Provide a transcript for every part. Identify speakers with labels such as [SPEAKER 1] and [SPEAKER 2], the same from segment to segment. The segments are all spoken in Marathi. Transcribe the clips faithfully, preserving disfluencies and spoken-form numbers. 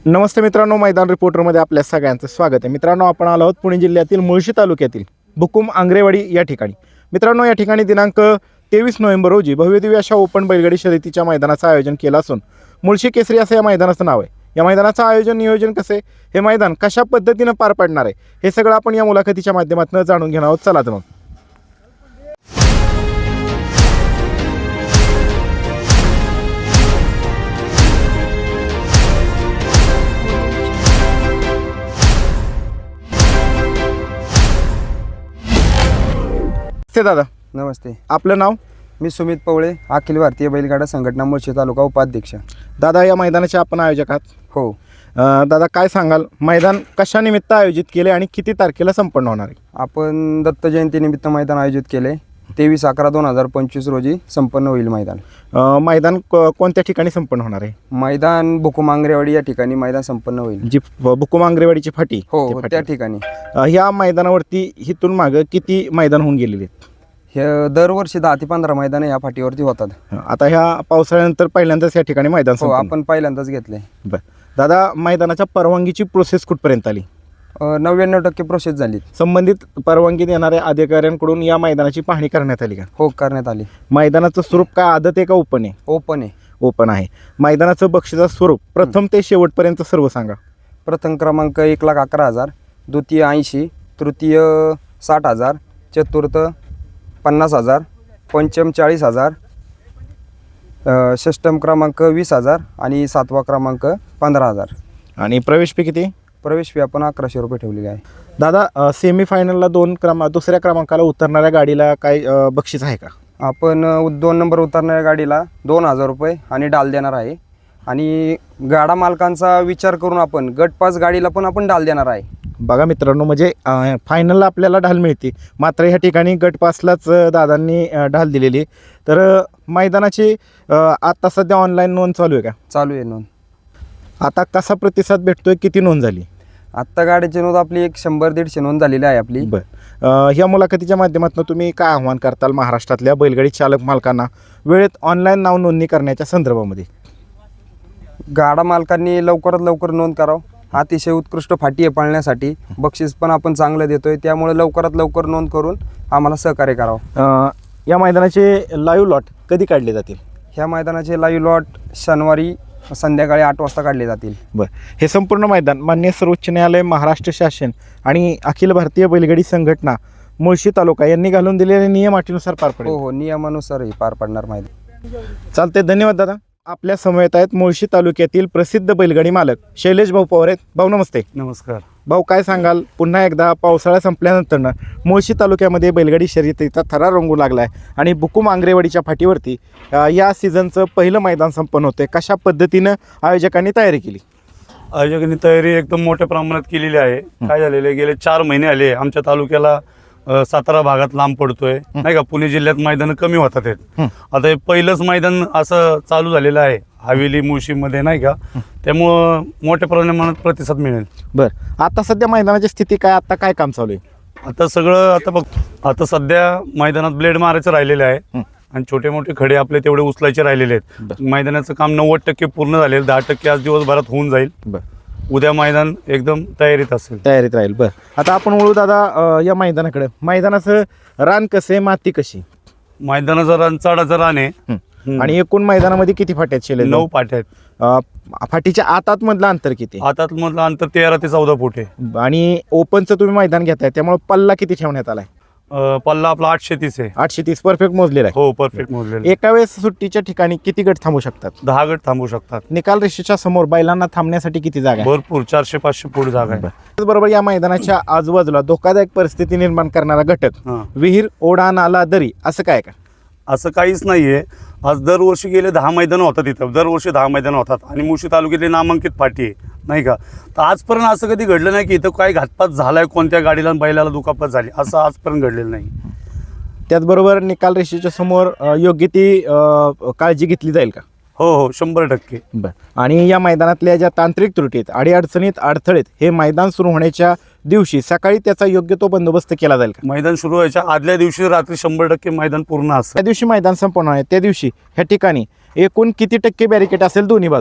[SPEAKER 1] नमस्ते मित्रांनो, मैदान रिपोर्टरमध्ये आपल्या सगळ्यांचं स्वागत आहे. मित्रांनो, आपण आलो आहोत पुणे जिल्ह्यातील मुळशी तालुक्यातील बुकुम आंग्रेवाडी या ठिकाणी. मित्रांनो, या ठिकाणी दिनांक तेवीस नोव्हेंबर रोजी भव्यदिव्य अशा ओपन बैलगाडी शर्यतीच्या मैदानाचं आयोजन केलं असून मुळशी केसरी असं या मैदानाचं नाव आहे. या मैदानाचं आयोजन नियोजन कसे, हे मैदान कशा पद्धतीनं पार पडणार आहे, हे सगळं आपण या मुलाखतीच्या माध्यमातून जाणून घेणार आहोत. चला तर मग. ते दादा,
[SPEAKER 2] नमस्ते.
[SPEAKER 1] आपलं नाव?
[SPEAKER 2] मी सुमित पवळे, अखिल भारतीय बैलगाडा संघटना मुळशी तालुका उपाध्यक्ष.
[SPEAKER 1] दादा, या मैदानाचे आपण आयोजक आहात.
[SPEAKER 2] हो.
[SPEAKER 1] अं, दादा, काय सांगाल, मैदान कशानिमित्त आयोजित केले आणि किती तारखेला संपन्न होणार आहे?
[SPEAKER 2] आपण दत्त जयंतीनिमित्त मैदान आयोजित केले. तेवीस अकरा दोन हजार पंचवीस रोजी संपन्न होईल मैदान.
[SPEAKER 1] अं, मैदान को कोणत्या ठिकाणी संपन्न होणार आहे?
[SPEAKER 2] मैदान बुकुम आंग्रेवाडी या ठिकाणी मैदान संपन्न होईल.
[SPEAKER 1] जी बुकुम आंग्रेवाडीची फाटी?
[SPEAKER 2] हो,
[SPEAKER 1] ती
[SPEAKER 2] हो,
[SPEAKER 1] फाटी.
[SPEAKER 2] त्या ठिकाणी.
[SPEAKER 1] अं, ह्या मैदानावरती इथून मागं किती मैदान होऊन गेलेले आहेत?
[SPEAKER 2] हे दरवर्षी दहा ते पंधरा मैदान या फाटीवरती होतात.
[SPEAKER 1] आता ह्या पावसाळ्यानंतर पहिल्यांदाच या ठिकाणी मैदान
[SPEAKER 2] हो,
[SPEAKER 1] संपन्न.
[SPEAKER 2] आपण पहिल्यांदाच घेतले.
[SPEAKER 1] बरं दादा, मैदानाच्या परवानगीची प्रोसेस कुठपर्यंत आली?
[SPEAKER 2] नव्याण्णव टक्के प्रोसेस झाली.
[SPEAKER 1] संबंधित परवानगी देणाऱ्या अधिकाऱ्यांकडून या मैदानाची पाहणी करण्यात आली का?
[SPEAKER 2] हो, करण्यात आली.
[SPEAKER 1] मैदानाचं स्वरूप काय आदत आहे का ओपन आहे?
[SPEAKER 2] ओपन आहे.
[SPEAKER 1] ओपन आहे. मैदानाचं बक्षिसाचं स्वरूप प्रथम ते शेवटपर्यंत सर्व सांगा.
[SPEAKER 2] प्रथम क्रमांक एक लाख अकरा हजार, द्वितीय ऐंशी, तृतीय साठ हजार, चतुर्थ पन्नास हजार, पंचम चाळीस हजार, अ, षष्टम क्रमांक वीस हजार आणि सातवा क्रमांक पंधरा हजार.
[SPEAKER 1] आणि प्रवेश फी किती?
[SPEAKER 2] प्रवेश फी आपण अकराशे रुपये ठेवलेली आहे.
[SPEAKER 1] दादा, सेमीफायनलला दोन क्रमांक दुसऱ्या क्रमांकाला उतरणाऱ्या गाडीला काय अ, बक्षीस आहे का?
[SPEAKER 2] आपण अ, दोन नंबर उतरणाऱ्या गाडीला दोन हजार रुपये आणि डाल देणार आहे. आणि गाडा मालकांचा विचार करून आपण गट पास गाडीला पण आपण डाल देणार आहे.
[SPEAKER 1] बघा मित्रांनो, म्हणजे अ, फायनलला आपल्याला ढाल मिळते, मात्र ह्या ठिकाणी गट पासलाच अ, दादांनी अ, ढाल दिलेली आहे. तर अ, मैदानाची अ, आता सध्या ऑनलाईन नोंद चालू आहे का?
[SPEAKER 2] चालू आहे नोंद.
[SPEAKER 1] आता कसा प्रतिसाद भेटतोय, किती नोंद झाली?
[SPEAKER 2] आत्ता गाडीची नोंद आपली एक शंभर दीडशे नोंद झालेली आहे आपली.
[SPEAKER 1] बरं, अ, ह्या मुलाखतीच्या माध्यमातून तुम्ही काय आव्हान करताल महाराष्ट्रातल्या बैलगाडी चालक मालकांना वेळेत ऑनलाईन नाव नोंदणी करण्याच्या संदर्भामध्ये?
[SPEAKER 2] गाडा मालकांनी लवकरात लवकर नोंद करावं. अतिशय उत्कृष्ट फाटी आहे पाळण्यासाठी. बक्षीस पण आपण चांगलं देतोय, त्यामुळे लवकरात लवकर नोंद करून आम्हाला सहकार्य करावं.
[SPEAKER 1] अ, या मैदानाचे लाईव्ह लॉट कधी काढले जातील?
[SPEAKER 2] ह्या मैदानाचे लाईव्ह लॉट शनिवारी संध्याकाळी आठ वाजता काढले जातील.
[SPEAKER 1] बरं, हे संपूर्ण मैदान मान्य सर्वोच्च न्यायालय, महाराष्ट्र शासन आणि अखिल भारतीय बैलगाडी संघटना मुळशी तालुका यांनी घालून दिलेल्या नियम अटीनुसार पार पडेल?
[SPEAKER 2] हो हो, नियमानुसार पार पडणार मैदान.
[SPEAKER 1] चालते, धन्यवाद दादा. आपल्या समवेत आहेत मुळशी तालुक्यातील प्रसिद्ध बैलगाडी मालक शैलेश भाऊ पवार आहेत. भाऊ नमस्ते.
[SPEAKER 3] नमस्कार
[SPEAKER 1] भाऊ, काय सांगाल, पुन्हा एकदा पावसाळा संपल्यानंतर मुळशी तालुक्यामध्ये बैलगाडी शर्यतीचा थरा रंगू लागला आहे आणि बुकुम आंग्रेवाडीच्या फाटीवरती अ, या सीझनचं पहिलं मैदान संपन्न होतं. कशा पद्धतीनं आयोजकांनी तयारी केली?
[SPEAKER 3] आयोजकांनी तयारी एकदम मोठ्या प्रमाणात केलेली आहे. काय झालेलं आहे, गेले चार महिने आले आमच्या तालुक्याला अ, सातारा भागात लांब पडतोय नाही का. पुणे जिल्ह्यात मैदान कमी होतात आहेत. आता हे पहिलंच मैदान असं चालू झालेलं आहे हवेली मुळशीमध्ये नाही का, त्यामुळं मोठ्या प्रमाणात प्रतिसाद मिळेल.
[SPEAKER 1] बरं, आता सध्या मैदानाची स्थिती काय, आता काय काम चालू आहे?
[SPEAKER 3] आता सगळं आता बघ, आता सध्या मैदानात ब्लेड मारायचं राहिलेलं आहे आणि छोटे मोठे खडे आपले तेवढे उचलायचे राहिलेले आहेत. मैदानाचं काम नव्वद टक्के पूर्ण झालेलं, दहा टक्के आज दिवसभरात होऊन जाईल.
[SPEAKER 1] बरं,
[SPEAKER 3] उद्या मैदान एकदम तयारीत असेल.
[SPEAKER 1] तयारीत राहील. बरं, आता आपण वळू दादा अ, या मैदानाकडे. मैदानाचं रान कसं आहे, माती कशी?
[SPEAKER 3] मैदानाचं रान चढाचं रान आहे. हम्म.
[SPEAKER 1] आणि एकूण मैदानामध्ये किती फाट्या आहेत शेले?
[SPEAKER 3] नऊ पाट्या आहेत.
[SPEAKER 1] अ, फाटीच्या आतात मधलं अंतर किती?
[SPEAKER 3] आतात मधलं अंतर तेरा ते चौदा फूट आहे.
[SPEAKER 1] आणि ओपनचं तुम्ही मैदान घेताय, त्यामुळे पल्ला किती ठेवण्यात आलाय?
[SPEAKER 3] अं, पल्ला आपला आठशे तीस आहे.
[SPEAKER 1] आठशे तीस परफेक्ट मोजलेला आहे.
[SPEAKER 3] हो, परफेक्ट मोजलेलं.
[SPEAKER 1] एका वेळेस सुट्टीच्या ठिकाणी किती गट थांबू शकतात?
[SPEAKER 3] दहा गट थांबू शकतात.
[SPEAKER 1] निकाल रेषेच्या समोर बैलांना थांबण्यासाठी किती जागा आहे?
[SPEAKER 3] भरपूर, चारशे पाचशे फूट जागा आहे.
[SPEAKER 1] त्याचबरोबर या मैदानाच्या आजूबाजूला धोकादायक परिस्थिती निर्माण करणारा घटक,
[SPEAKER 3] हां,
[SPEAKER 1] विहीर, ओढा, नाला, दरी असं काय का?
[SPEAKER 3] असं काहीच नाहीये. आज दरवर्षी गेले दहा मैदानं होतात इथं, दरवर्षी दहा मैदानं होतात आणि मुळशी तालुक्यातली नामांकित फाटी आहे नाही का. तर आजपर्यंत असं कधी घडलं नाही की इथं काय घातपात झालाय, कोणत्या गाडीला आणि बैलाला दुखापत झाली, असं आजपर्यंत घडलेलं नाही.
[SPEAKER 1] त्याचबरोबर निकाल रेषेच्या समोर अ, योग्य ती अ, काळजी घेतली जाईल का?
[SPEAKER 3] हो हो, शंभर टक्के.
[SPEAKER 1] बरं, आणि या मैदानातल्या ज्या तांत्रिक त्रुटीत, अडीअडचणीत, अडथळेत हे मैदान सुरू होण्याच्या दिवशी सकाळी त्याचा योग्य तो बंदोबस्त केला जाईल का?
[SPEAKER 3] मैदान सुरू व्हायच्या आदल्या दिवशी रात्री शंभर टक्के मैदान पूर्ण असतं.
[SPEAKER 1] त्या दिवशी मैदान संपन्न आहे त्या दिवशी ह्या ठिकाणी एकूण किती टक्के बॅरिकेड असेल दोन्ही बाजूला?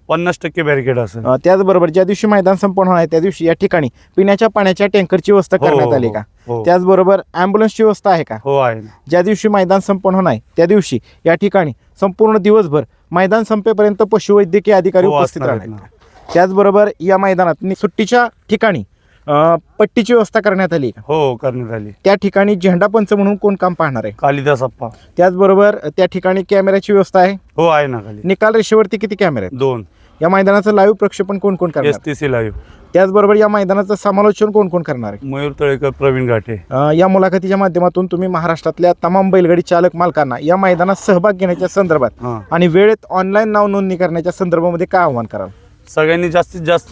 [SPEAKER 3] पन्नास टक्के बॅरिकेड असेल.
[SPEAKER 1] अ, त्याचबरोबर ज्या दिवशी मैदान संपन्न होणार आहे त्या दिवशी या ठिकाणी पिण्याच्या पाण्याच्या टँकरची व्यवस्था
[SPEAKER 3] हो,
[SPEAKER 1] करण्यात
[SPEAKER 3] हो,
[SPEAKER 1] आली का?
[SPEAKER 3] हो.
[SPEAKER 1] त्याचबरोबर ॲम्ब्युलन्सची व्यवस्था आहे का?
[SPEAKER 3] हो आहे ना.
[SPEAKER 1] ज्या दिवशी मैदान संपन्न होणार आहे त्या दिवशी या ठिकाणी संपूर्ण दिवसभर मैदान संपेपर्यंत पशुवैद्यकीय अधिकारी
[SPEAKER 3] हो,
[SPEAKER 1] उपस्थित
[SPEAKER 3] असणार
[SPEAKER 1] राहणार
[SPEAKER 3] आहेत
[SPEAKER 1] आहेत. त्याचबरोबर या मैदानात नि- सुट्टीच्या ठिकाणी अ, पट्टीची व्यवस्था करण्यात आली का?
[SPEAKER 3] हो करण्यात आली.
[SPEAKER 1] त्या ठिकाणी झेंडा पंच म्हणून कोण काम पाहणार आहे?
[SPEAKER 3] कालिदास अप्पा.
[SPEAKER 1] त्याचबरोबर त्या ठिकाणी कॅमेऱ्याची व्यवस्था आहे.
[SPEAKER 3] हो आहे ना खाली.
[SPEAKER 1] निकाल रेषेवरती किती कॅमेरे आहेत?
[SPEAKER 3] दोन.
[SPEAKER 1] या मैदानाचं लाईव्ह प्रक्षेपण कोण कोण करणार
[SPEAKER 3] एस
[SPEAKER 1] आहे?
[SPEAKER 3] T C live.
[SPEAKER 1] त्याचबरोबर या मैदानाचं समालोचन कोण कोण करणार आहे?
[SPEAKER 3] मयूर तळेकर, प्रवीण घाटे.
[SPEAKER 1] अ, या मुलाखतीच्या माध्यमातून तुम्ही महाराष्ट्रातल्या तमाम बैलगाडी चालक मालकांना या मैदानात सहभाग घेण्याच्या संदर्भात
[SPEAKER 3] हां.
[SPEAKER 1] आणि वेळेत ऑनलाईन नाव नोंदणी करण्याच्या संदर्भामध्ये काय आव्हान कराल?
[SPEAKER 3] सगळ्यांनी जास्तीत जास्त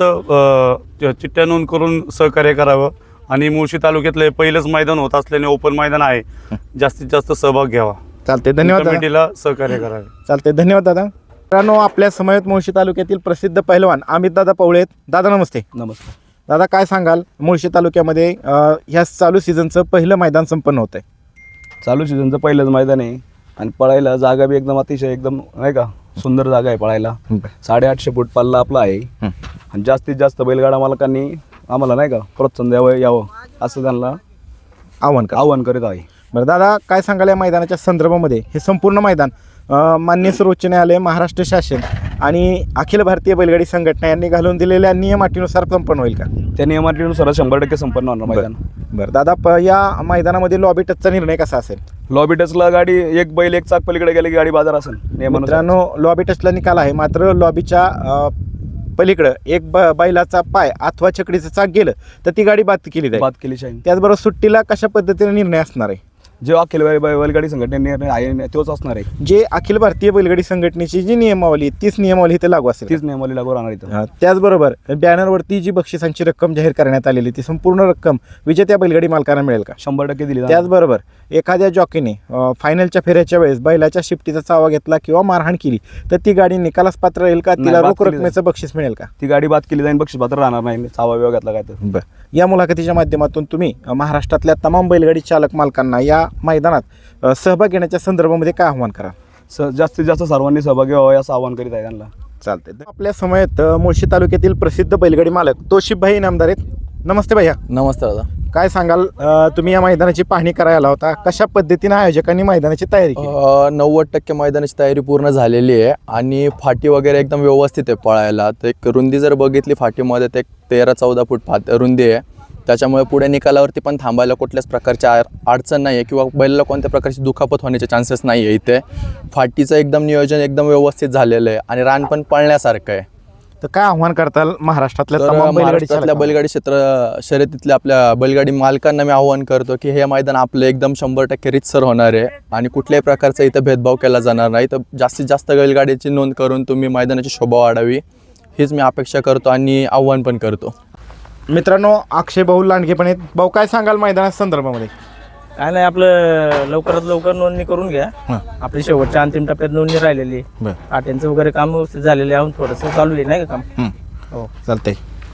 [SPEAKER 3] अ, चिठ्ठ्या नोंद करून सहकार्य करावं आणि मुळशी तालुक्यातलं हे पहिलंच मैदान होत असल्याने ओपन मैदान आहे. जास्तीत जास्त सहभाग घ्यावा.
[SPEAKER 1] चालते, धन्यवाद दादा.
[SPEAKER 3] कमिटीला सहकार्य करावे.
[SPEAKER 1] चालते, धन्यवाद दादा. मित्रांनो, आपल्या समयत मुळशी तालुक्यातील प्रसिद्ध पहिलवान अमित दादा पवळे आहेत. दादा नमस्ते.
[SPEAKER 2] नमस्कार.
[SPEAKER 1] दादा काय सांगाल, मुळशी तालुक्यामध्ये अ, ह्या चालू सीझनचं पहिलं मैदान संपन्न होत आहे.
[SPEAKER 4] चालू सीझनचं पहिलंच मैदान आहे आणि पळायला जागा बी एकदम अतिशय एकदम नाही का सुंदर जागा आहे पळायला. साडेआठशे फूट पल्ला आपला आहे आणि जास्तीत जास्त बैलगाडा मालकांनी आम्हाला नाही का प्रोत्साहन द्यावं यावं असं त्यांना
[SPEAKER 1] आव्हान करा.
[SPEAKER 4] आव्हान करीत आहे.
[SPEAKER 1] बरं दादा, काय सांगाल या मैदानाच्या संदर्भामध्ये? हे संपूर्ण मैदान अ, मान्य सर्वोच्च न्यायालय, महाराष्ट्र शासन आणि अखिल भारतीय बैलगाडी संघटना यांनी घालून दिलेल्या नियम अटीनुसार संपन्न होईल का?
[SPEAKER 4] त्या नियमाटीनुसार शंभर टक्के संपन्न होणार मैदान.
[SPEAKER 1] बरं दादा, प या मैदानामध्ये लॉबी टचचा निर्णय कसा असेल?
[SPEAKER 4] लॉबी टचला गाडी एक बैल एक चाक पलीकडे गेले की गाडी बाजार असेल नियमानुसार.
[SPEAKER 1] मित्रांनो, लॉबी टचला निकाल आहे, मात्र लॉबीच्या अ, पलीकडं एक ब बैलाचा पाय अथवा छकडीचं चाक गेलं तर ती गाडी बाद केली जाईल.
[SPEAKER 4] बात केली शाहीन.
[SPEAKER 1] त्याचबरोबर सुट्टीला कशा पद्धतीने निर्णय असणार आहे?
[SPEAKER 4] जे अखिल बै- बै- बैलगाडी संघटनेने निर्णय आहे तोच असणार आहे.
[SPEAKER 1] जे अखिल भारतीय बैलगाडी संघटनेची जी नियमावली आहे, तीच नियमावली इथे लागू असेल.
[SPEAKER 4] तीच नियमावली लागू राहणार इथं.
[SPEAKER 1] हा, त्याचबरोबर बॅनरवरती जी बक्षिसांची रक्कम जाहीर करण्यात आलेली ती संपूर्ण रक्कम विजेत्या बैलगाडी मालकांना मिळेल का?
[SPEAKER 4] शंभर टक्के दिली जाणार.
[SPEAKER 1] त्याचबरोबर एखाद्या जॉकीने अ, फायनलच्या फेऱ्याच्या वेळेस बैलाच्या शिफ्टीचा चावा घेतला किंवा मारहाण केली तर ती गाडी निकालास पात्र राहील का?
[SPEAKER 4] नाही,
[SPEAKER 1] तिला
[SPEAKER 4] बाद
[SPEAKER 1] रोख
[SPEAKER 4] केली
[SPEAKER 1] रकमेचं बक्षीस मिळेल का?
[SPEAKER 4] ती गाडी बाद केली जाईल, बक्षीस पात्र राहणार नाही चावा विभागातला काय तर.
[SPEAKER 1] बरं, या मुलाखतीच्या माध्यमातून तुम्ही अ, महाराष्ट्रातल्या तमाम बैलगाडी चालक मालकांना या मैदानात अ, सहभाग घेण्याच्या संदर्भामध्ये काय आव्हान करा?
[SPEAKER 4] स जास्तीत जास्त सर्वांनी सहभागी व्हावं असं आवाहन करीत आहे त्यांना.
[SPEAKER 1] चालते. आपल्या समयात अ, मुळशी तालुक्यातील प्रसिद्ध बैलगाडी मालक तोशिफभाई इनामदार आहेत. नमस्ते भैया.
[SPEAKER 5] नमस्ते दादा.
[SPEAKER 1] काय सांगाल, अ, तुम्ही या मैदानाची पाहणी करायला आला होता, कशा पद्धतीने आयोजकांनी मैदानाची तयारी केली?
[SPEAKER 5] अ, नव्वद टक्के मैदानाची तयारी पूर्ण झालेली आहे आणि फाटी वगैरे एकदम व्यवस्थित आहे पळायला. तर एक रुंदी जर बघितली फाटीमध्ये तर एक तेरा चौदा फूट फाट रुंदी आहे. त्याच्यामुळे पुढे निकालावरती पण थांबायला कुठल्याच प्रकारची आ अडचण नाही आहे किंवा बैलाला कोणत्या प्रकारची दुखापत होण्याचे चान्सेस नाही आहे. इथे फाटीचं एकदम नियोजन एकदम व्यवस्थित झालेलं आहे आणि रान पण पळण्यासारखं आहे.
[SPEAKER 1] तर काय आव्हान करताल महाराष्ट्रातल्या
[SPEAKER 5] तर
[SPEAKER 1] तमाम बैलगाडी
[SPEAKER 5] महाराष्ट्रातल्या
[SPEAKER 1] चालकांना?
[SPEAKER 5] बैलगाडी क्षेत्र शर्यतीतल्या आपल्या बैलगाडी मालकांना मी आव्हान करतो की हे मैदान आपलं एकदम शंभर टक्के रितसर होणार आहे आणि कुठल्याही प्रकारचा इथं भेदभाव केला जाणार नाही. तर जास्तीत जास्त बैलगाडीची नोंद करून तुम्ही मैदानाची शोभा वाढावी हीच मी अपेक्षा करतो आणि आव्हान पण करतो.
[SPEAKER 1] मित्रांनो, अक्षय भाऊ लांडगे पण आहेत. भाऊ, काय सांगाल मैदाना संदर्भामध्ये?
[SPEAKER 6] काय नाही, आपलं लवकरात लवकर नोंदणी करून घ्या.
[SPEAKER 1] हां.
[SPEAKER 6] आपली शेवटच्या अंतिम टप्प्यात नोंदणी राहिलेली आहे.
[SPEAKER 1] बरं.
[SPEAKER 6] आट्यांचं वगैरे काम व्यवस्थित झालेले आहे, थोडंसं चालू आहे नाही का काम.
[SPEAKER 1] हं.
[SPEAKER 6] हो.
[SPEAKER 1] चालतंय.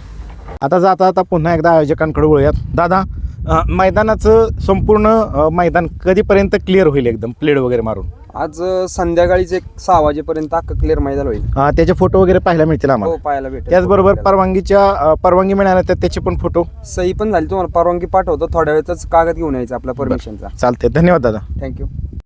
[SPEAKER 1] आता जाता आता पुन्हा एकदा आयोजकांकडे वळूयात. दादा, अ, मैदानाचं संपूर्ण अ, मैदान कधीपर्यंत क्लिअर होईल एकदम प्लेड वगैरे मारून?
[SPEAKER 2] आज अ, संध्याकाळीच एक सहा वाजेपर्यंत अख्खं क्लिअर मैदान होईल.
[SPEAKER 1] अ, त्याचे फोटो वगैरे पाहायला मिळतील
[SPEAKER 2] हो,
[SPEAKER 1] आम्हाला.
[SPEAKER 2] पाहायला भेटेल.
[SPEAKER 1] त्याचबरोबर परवानगीच्या अ, परवानगी मिळाल्या तर त्याचे पण फोटो.
[SPEAKER 2] सही पण झाली, तुम्हाला परवानगी पाठवतो थोड्या वेळातच कागद घेऊन यायचा आपला परमिशनचा.
[SPEAKER 1] चालते, धन्यवाद दादा.
[SPEAKER 2] थँक्यू.